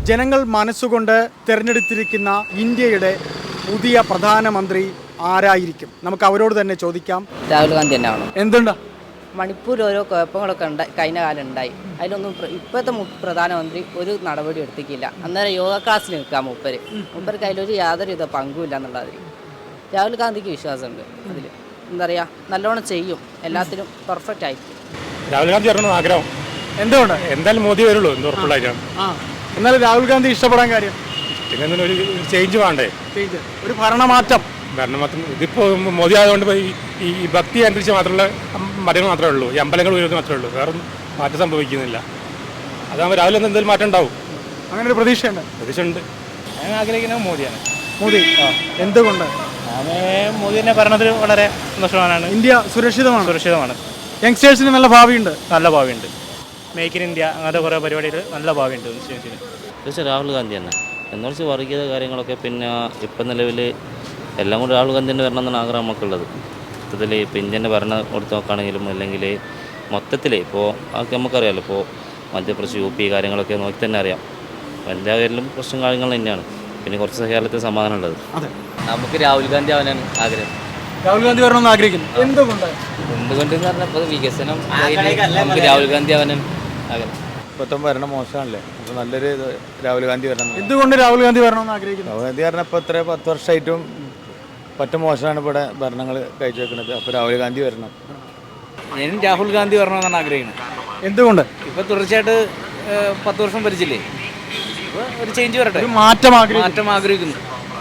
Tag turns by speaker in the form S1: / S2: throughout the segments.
S1: ജനങ്ങൾ മനസ്സുകൊണ്ട് തിരഞ്ഞെടുത്തിരിക്കുന്ന ഇന്ത്യയുടെ പുതിയ പ്രധാനമന്ത്രി ആരായിരിക്കും? നമുക്ക് അവരോട് തന്നെ ചോദിക്കാം.
S2: രാഹുൽ ഗാന്ധി തന്നെയാണോ?
S1: എന്തുണ്ടാ?
S2: മണിപ്പൂർ ഓരോ കുഴപ്പങ്ങളൊക്കെ കഴിഞ്ഞ കാലം ഉണ്ടായി. അതിലൊന്നും ഇപ്പോഴത്തെ പ്രധാനമന്ത്രി ഒരു നടപടി എടുത്തിക്കില്ല. അന്നേരം യോഗ ക്ലാസ്സിൽ നിൽക്കാം മൂപ്പർക്ക് അതിലൊരു യാതൊരുവിധ പങ്കുമില്ല എന്നുള്ളത്. രാഹുൽ ഗാന്ധിക്ക് വിശ്വാസമുണ്ട്. അതിൽ എന്താ പറയുക, നല്ലോണം ചെയ്യും, എല്ലാത്തിലും പെർഫെക്റ്റ് ആയിരിക്കും.
S3: രാഹുൽ ഗാന്ധി വരണം ആഗ്രഹം.
S1: എന്തുകൊണ്ട്?
S3: എന്തായാലും മോദി വരുള്ളൂ, എന്ത് ഉറപ്പുള്ളായിരിക്കും.
S1: എന്നാലും രാഹുൽ ഗാന്ധി ഇഷ്ടപ്പെടാൻ കാര്യം
S3: പിന്നെ ഒരു ചേഞ്ച് വേണ്ടേ,
S1: ഒരു ഭരണമാറ്റം.
S3: ഇതിപ്പോൾ മോദി ആയതുകൊണ്ട് ഈ ഭക്തി അനുസരിച്ച് മാത്രമുള്ള മതങ്ങൾ മാത്രമേ ഉള്ളൂ, ഈ അമ്പലങ്ങൾ ഉയർത്തി മാത്രമേ ഉള്ളൂ, വേറെ മാറ്റം സംഭവിക്കുന്നില്ല. അതാകുമ്പോൾ രാവിലെ എന്തെങ്കിലും മാറ്റം ഉണ്ടാവും.
S1: അങ്ങനെ ഒരു പ്രതീക്ഷയുണ്ട്.
S3: പ്രതീക്ഷയുണ്ട്. ഞാൻ ആഗ്രഹിക്കുന്നത് മോദിയാണ്.
S1: മോദി എന്തുകൊണ്ട്?
S3: മോദി തന്നെ ഭരണത്തിൽ വളരെ സന്തോഷവാനാണ്.
S1: ഇന്ത്യ സുരക്ഷിതമാണ്. യങ്സ്റ്റേഴ്സിന് നല്ല ഭാവിയുണ്ട്.
S3: മേക്ക് ഇൻ ഇന്ത്യ അങ്ങനത്തെ കുറേ പരിപാടികൾ നല്ല ഭാവിയുണ്ട്.
S4: തീർച്ചയായും രാഹുൽ ഗാന്ധി തന്നെ. എന്നുവെച്ച് വർഗീയത കാര്യങ്ങളൊക്കെ പിന്നെ ഇപ്പം നിലവിൽ എല്ലാം കൂടി രാഹുൽ ഗാന്ധി തന്നെ വരണം എന്നാണ് ആഗ്രഹം നമുക്കുള്ളത്. മൊത്തത്തിൽ ഇപ്പോൾ ഇന്ത്യൻ്റെ ഭരണം കൊടുത്ത് നോക്കുകയാണെങ്കിലും അല്ലെങ്കിൽ മൊത്തത്തിൽ ഇപ്പോൾ അതൊക്കെ നമുക്കറിയാമല്ലോ. ഇപ്പോൾ മധ്യപ്രദേശ് UP കാര്യങ്ങളൊക്കെ നോക്കി തന്നെ അറിയാം. എല്ലാ പേരിലും പ്രശ്നം കാര്യങ്ങൾ തന്നെയാണ്. പിന്നെ കുറച്ച് കേരളത്തിൽ സമാധാനം ഉള്ളത്.
S2: നമുക്ക് രാഹുൽ ഗാന്ധി ആവാനാണ് ആഗ്രഹം.
S1: രാഹുൽ ഗാന്ധി വരണമെന്ന് ആഗ്രഹിക്കുന്നു.
S2: എന്തുകൊണ്ടെന്ന് പറഞ്ഞപ്പോൾ വികസനം നമുക്ക് രാഹുൽ ഗാന്ധി ആവാനാണ് ആഗ്രഹം.
S5: ഇപ്പോഴത്തെ ഭരണം മോശമാണല്ലേ, അപ്പോൾ നല്ലൊരു രാഹുൽ ഗാന്ധി വരണം.
S1: എന്തുകൊണ്ട് രാഹുൽ ഗാന്ധി വരണമെന്ന് ആഗ്രഹിക്കുന്നു?
S5: രാഹുൽ ഗാന്ധി പറഞ്ഞാൽ ഇപ്പോൾ 10 വർഷമായിട്ടും പറ്റ മോശമാണ് ഇവിടെ ഭരണങ്ങൾ കഴിച്ചു വെക്കുന്നത്. അപ്പോൾ രാഹുൽ ഗാന്ധി വരണം.
S6: ഞാനും രാഹുൽ ഗാന്ധി വരണമെന്നാണ് ആഗ്രഹിക്കുന്നത്.
S1: എന്തുകൊണ്ട്?
S6: ഇപ്പോൾ തുടർച്ചയായിട്ട് 10 വർഷം ഭരിച്ചില്ലേ, ഇപ്പോൾ ഒരു ചേഞ്ച് വരട്ടെ,
S1: മാറ്റം
S6: ആഗ്രഹിക്കുന്നു.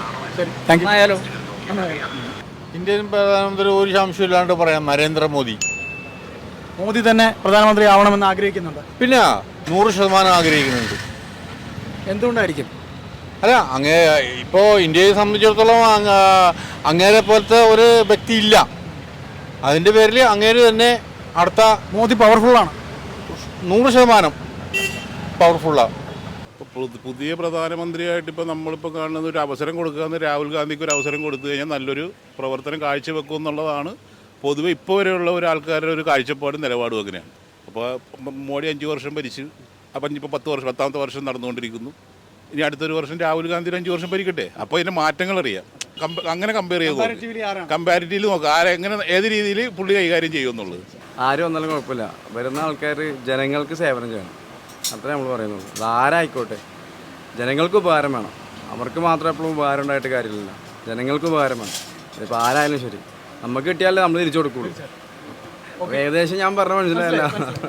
S5: ആയാലോ ഇന്ത്യൻ പ്രധാനമന്ത്രി ഒരു സംശയമില്ലാണ്ട് പറയാം, നരേന്ദ്രമോദി.
S1: മോദി തന്നെ പ്രധാനമന്ത്രി ആവണമെന്ന് ആഗ്രഹിക്കുന്നുണ്ട്.
S5: പിന്നെ 100% ആഗ്രഹിക്കുന്നുണ്ട്.
S1: എന്തുകൊണ്ടായിരിക്കും?
S5: അല്ല, ഇപ്പോൾ ഇന്ത്യയെ സംബന്ധിച്ചിടത്തോളം അങ്ങേരെ പോലത്തെ ഒരു വ്യക്തി ഇല്ല. അതിൻ്റെ പേരിൽ അങ്ങേര് തന്നെ അടുത്ത
S1: മോദി പവർഫുള്ളാണ്,
S5: 100% പവർഫുള്ളാണ്.
S7: പുതിയ പ്രധാനമന്ത്രിയായിട്ട് ഇപ്പോൾ നമ്മളിപ്പോൾ കാണുന്നത് ഒരു അവസരം കൊടുക്കുക, രാഹുൽ ഗാന്ധിക്ക് ഒരു അവസരം കൊടുത്തു കഴിഞ്ഞാൽ നല്ലൊരു പ്രവർത്തനം കാഴ്ചവെക്കും എന്നുള്ളതാണ് പൊതുവെ ഇപ്പോൾ വരെയുള്ള ഒരു ആൾക്കാരുടെ ഒരു കാഴ്ചപ്പാടും നിലപാടും അങ്ങനെയാണ്. അപ്പോൾ മോഡി 5 വർഷം ഭരിച്ചു, അപ്പം ഇപ്പോൾ 10ാമത്തെ വർഷം നടന്നുകൊണ്ടിരിക്കുന്നു. ഇനി അടുത്തൊരു വർഷം രാഹുൽ ഗാന്ധി 5 വർഷം ഭരിക്കട്ടെ. അപ്പോൾ ഇതിൻ്റെ മാറ്റങ്ങൾ അറിയാം. അങ്ങനെ കമ്പയർ ചെയ്ത് കമ്പാരിറ്റീവ് നോക്കുക, ആരെങ്ങനെ ഏത് രീതിയിൽ പുള്ളി കൈകാര്യം ചെയ്യുമെന്നുള്ളത്.
S8: ആരും വന്നാലും കുഴപ്പമില്ല, വരുന്ന ആൾക്കാർ ജനങ്ങൾക്ക് സേവനം ചെയ്യണം, അത്രേ നമ്മൾ പറയുന്നുള്ളൂ. അതാരായിക്കോട്ടെ, ജനങ്ങൾക്ക് ഉപകാരം വേണം. അവർക്ക് മാത്രം എപ്പോഴും ഉപകാരം ഉണ്ടായിട്ട് കാര്യമില്ല, ജനങ്ങൾക്ക് ഉപകാരം വേണം. ഇപ്പോൾ ആരായാലും ശരി, നമുക്ക് കിട്ടിയാലേ നമ്മൾ തിരിച്ചു കൊടുക്കുള്ളൂ. ഏകദേശം ഞാൻ പറഞ്ഞ മനസ്സിലായല്ല.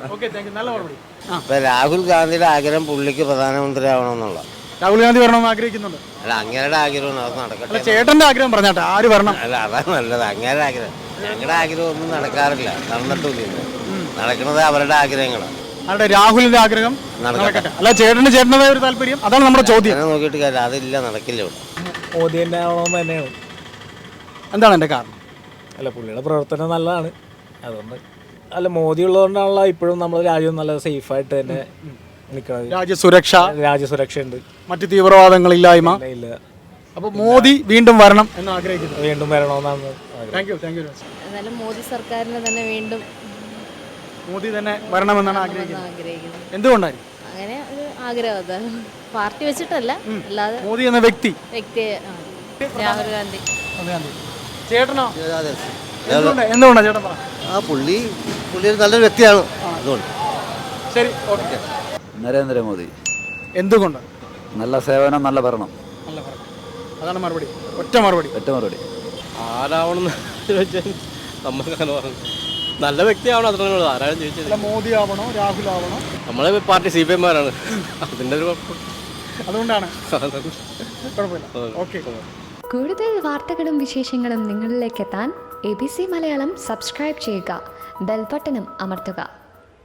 S9: ഇപ്പം രാഹുൽ ഗാന്ധിയുടെ ആഗ്രഹം പുള്ളിക്ക് പ്രധാനമന്ത്രി ആവണമെന്നുള്ള.
S1: രാഹുൽ ഗാന്ധി വരണമെന്ന് ആഗ്രഹിക്കുന്നുണ്ട്.
S9: അല്ല, അങ്ങേരുടെ ആഗ്രഹം അത് നടക്കട്ടെ.
S1: ചേട്ടന്റെ ആഗ്രഹം പറഞ്ഞാട്ടെ, ആര് വരണം?
S9: അല്ല, അതാണ് നല്ലത്. അങ്ങേരുടെ ആഗ്രഹം, ഞങ്ങളുടെ ആഗ്രഹം ഒന്നും നടക്കാറില്ല, നടന്നിട്ടില്ല. നടക്കുന്നത് അവരുടെ ആഗ്രഹങ്ങളാണ്.
S1: അവരുടെ രാഹുലിന്റെ ആഗ്രഹം നടക്കട്ടെ. അല്ല, ചേട്ടൻ്റെതായ ഒരു താല്പര്യം, അതാണ് നമ്മുടെ ചോദ്യം.
S9: നോക്കിയിട്ട് കാര്യം അതില്ല, നടക്കില്ല ഇവിടെ.
S6: മോദി തന്നെ ആവണമെന്ന് തന്നെയാണ്.
S1: എന്താണ് എൻ്റെ കാരണം?
S6: അല്ല, പുള്ളിയുടെ പ്രവർത്തനം നല്ലതാണ്, അതുകൊണ്ട്. അല്ല, മോദി ഉള്ളതുകൊണ്ടാണല്ലോ ഇപ്പോഴും നമ്മുടെ രാജ്യം നല്ല സേഫായിട്ട് തന്നെ നിൽക്കുന്നത്. രാജ്യസുരക്ഷ ഉണ്ട്,
S1: മറ്റ് തീവ്രവാദങ്ങളില്ലായ്മ
S6: ഇല്ല.
S1: അപ്പോൾ മോദി വീണ്ടും വരണം എന്ന് ആഗ്രഹിക്കുന്നു.
S6: വീണ്ടും വരണമെന്നാണ്.
S1: Thank you.
S10: എന്നാലും മോദി സർക്കാരിനെ തന്നെ വീണ്ടും
S1: മോദി തന്നെ വരണമെന്നാണ് ആഗ്രഹിക്കുന്നത്. എന്തുകൊണ്ടായിരിക്കും
S10: അങ്ങനെ ഒരു ആഗ്രഹം? അത് പാർട്ടി വെച്ചിട്ടല്ല, അല്ലാതെ
S1: മോദി എന്ന വ്യക്തി.
S10: രാഹുൽ ഗാന്ധി.
S1: ചേട്ടനോ? എന്തുകൊണ്ടാണ് ചേട്ടൻ പറ?
S9: പുള്ളി നല്ലൊരു വ്യക്തിയാണ്, അതുകൊണ്ട്.
S1: ശരി, ഓക്കെ.
S8: നരേന്ദ്രമോദി.
S1: എന്തുകൊണ്ട്?
S8: നല്ല സേവനം, നല്ല ഭരണം.
S1: അതാണ് മറുപടി, ഒറ്റ മറുപടി.
S3: ആരാവണമെന്ന് ചോദിച്ചാൽ നമുക്ക് നല്ല വ്യക്തിയാവണം, അത്ര ആരാരും ചോദിച്ചില്ല.
S1: മോദി ആവണോ രാഹുൽ ആവണോ?
S3: നമ്മളെ പാർട്ടി CPM മാരാണ്, അതിൻ്റെ ഒരു
S1: അതുകൊണ്ടാണ്. കുഴപ്പമില്ല, ഓക്കെ.
S11: കൂടുതൽ വാർത്തകളും വിശേഷങ്ങളും നിങ്ങളിലേക്ക് എത്താൻ ABC മലയാളം സബ്സ്ക്രൈബ് ചെയ്യുക, ബെൽ ബട്ടണും അമർത്തുക.